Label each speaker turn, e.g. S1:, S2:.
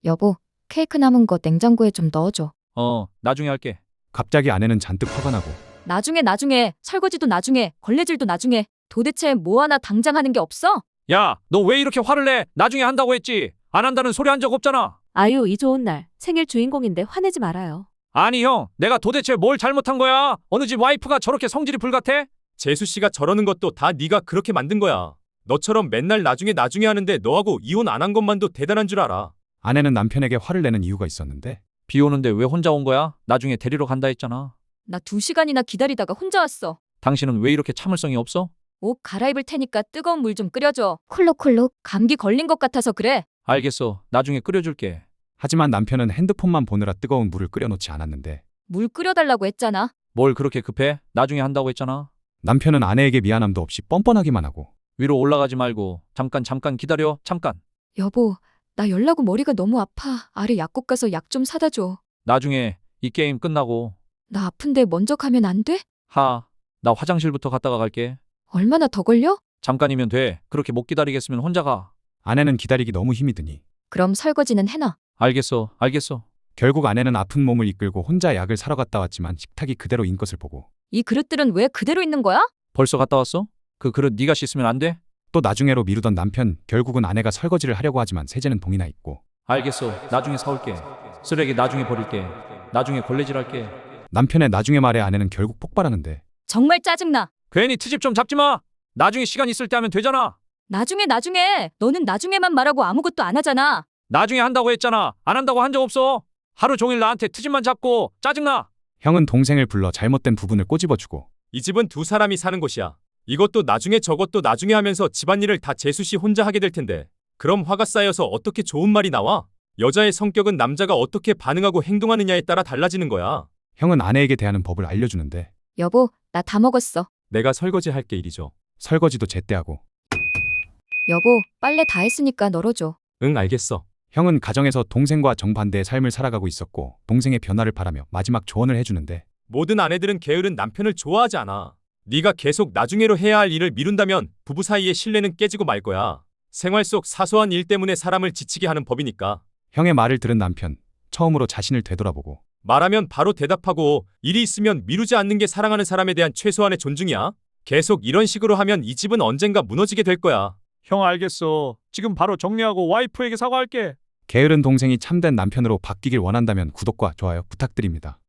S1: 여보, 케이크 남은 거 냉장고에 좀 넣어줘.
S2: 나중에 할게.
S3: 갑자기 아내는 잔뜩 화가 나고
S1: 나중에, 설거지도 나중에, 걸레질도 나중에. 도대체 뭐 하나 당장 하는 게 없어?
S2: 야, 너 왜 이렇게 화를 내? 나중에 한다고 했지. 안 한다는 소리 한 적 없잖아.
S4: 아유, 이 좋은 날 생일 주인공인데 화내지 말아요.
S2: 아니 형, 내가 도대체 뭘 잘못한 거야? 어느 집 와이프가 저렇게 성질이 불같아?
S5: 재수 씨가 저러는 것도 다 네가 그렇게 만든 거야. 너처럼 맨날 나중에 하는데 너하고 이혼 안 한 것만도 대단한 줄 알아.
S3: 아내는 남편에게 화를 내는 이유가 있었는데
S2: 비 오는데 왜 혼자 온 거야? 나중에 데리러 간다 했잖아.
S1: 나 2시간이나 기다리다가 혼자 왔어.
S2: 당신은 왜 이렇게 참을성이 없어?
S1: 옷 갈아입을 테니까 뜨거운 물 좀 끓여줘. 콜록콜록. 감기 걸린 것 같아서 그래.
S2: 알겠어. 나중에 끓여줄게.
S3: 하지만 남편은 핸드폰만 보느라 뜨거운 물을 끓여놓지 않았는데
S1: 물 끓여달라고 했잖아.
S2: 뭘 그렇게 급해? 나중에 한다고 했잖아.
S3: 남편은 아내에게 미안함도 없이 뻔뻔하기만 하고
S2: 위로 올라가지 말고 잠깐 기다려. 잠깐.
S1: 여보, 나 열나고 머리가 너무 아파. 아래 약국 가서 약 좀 사다 줘.
S2: 나중에 이 게임 끝나고
S1: 나 아픈데 먼저 가면 안 돼?
S2: 나 화장실부터 갔다가 갈게.
S1: 얼마나 더 걸려?
S2: 잠깐이면 돼. 그렇게 못 기다리겠으면 혼자 가.
S3: 아내는 기다리기 너무 힘이 드니
S1: 그럼 설거지는 해놔.
S2: 알겠어.
S3: 결국 아내는 아픈 몸을 이끌고 혼자 약을 사러 갔다 왔지만 식탁이 그대로인 것을 보고
S1: 이 그릇들은 왜 그대로 있는 거야?
S2: 벌써 갔다 왔어? 그 그릇 네가 씻으면 안 돼?
S3: 또 나중에로 미루던 남편 결국은 아내가 설거지를 하려고 하지만 세제는 동이나 있고
S2: 알겠어. 나중에 사올게. 쓰레기 나중에 버릴게. 나중에 걸레질할게.
S3: 남편의 나중에 말에 아내는 결국 폭발하는데
S1: 정말 짜증나.
S2: 괜히 트집 좀 잡지 마. 나중에 시간 있을 때 하면 되잖아.
S1: 나중에. 너는 나중에만 말하고 아무것도 안 하잖아.
S2: 나중에 한다고 했잖아. 안 한다고 한 적 없어. 하루 종일 나한테 트집만 잡고 짜증나.
S3: 형은 동생을 불러 잘못된 부분을 꼬집어주고
S5: 이 집은 두 사람이 사는 곳이야. 이것도 나중에 저것도 나중에 하면서 집안일을 다 재수 씨 혼자 하게 될 텐데. 그럼 화가 쌓여서 어떻게 좋은 말이 나와? 여자의 성격은 남자가 어떻게 반응하고 행동하느냐에 따라 달라지는 거야.
S3: 형은 아내에게 대하는 법을 알려주는데
S1: 여보, 나 다 먹었어.
S5: 내가 설거지 할게 이리 줘.
S3: 설거지도 제때하고
S1: 여보, 빨래 다 했으니까 널어줘.
S5: 응, 알겠어.
S3: 형은 가정에서 동생과 정반대의 삶을 살아가고 있었고 동생의 변화를 바라며 마지막 조언을 해주는데
S5: 모든 아내들은 게으른 남편을 좋아하지 않아. 네가 계속 나중에로 해야 할 일을 미룬다면 부부 사이의 신뢰는 깨지고 말 거야. 생활 속 사소한 일 때문에 사람을 지치게 하는 법이니까.
S3: 형의 말을 들은 남편 처음으로 자신을 되돌아보고
S5: 말하면 바로 대답하고 일이 있으면 미루지 않는 게 사랑하는 사람에 대한 최소한의 존중이야. 계속 이런 식으로 하면 이 집은 언젠가 무너지게 될 거야.
S2: 형 알겠어. 지금 바로 정리하고 와이프에게 사과할게.
S3: 게으른 동생이 참된 남편으로 바뀌길 원한다면 구독과 좋아요 부탁드립니다.